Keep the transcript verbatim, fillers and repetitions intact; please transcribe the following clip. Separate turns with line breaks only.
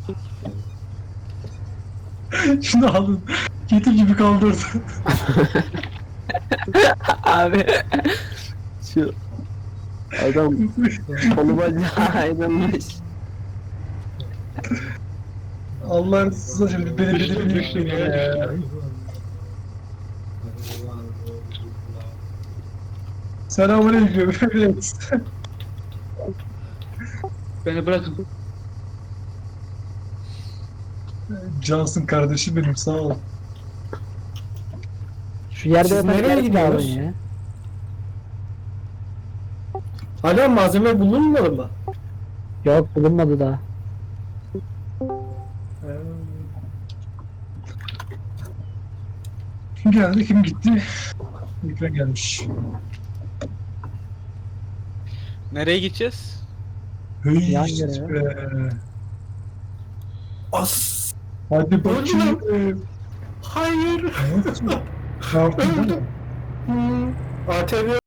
Şunu alın. Kedi gibi kaldırdı.
Abi şu adam kolu bacağı ayrılmış.
Allah'ın sızıcım bir beni beni beni yükleyin ya. Selamünaleyküm. Evet.
Beni bırakın.
Cansın kardeşim benim sağ ol.
Şu yerde
Siz
yatan
nereye
yer mi abi
gidiyoruz?
ya?
Hala malzeme bulunmadı mı?
Yok bulunmadı daha.
Kim geldi kim gitti? Ekran gelmiş.
Nereye gideceğiz?
Hey,
Yan göre.
be.
As.
Hadi bakayım.
Hayır.
Ne yaptın? Ne yaptın?
Öldüm. Hmm. A T V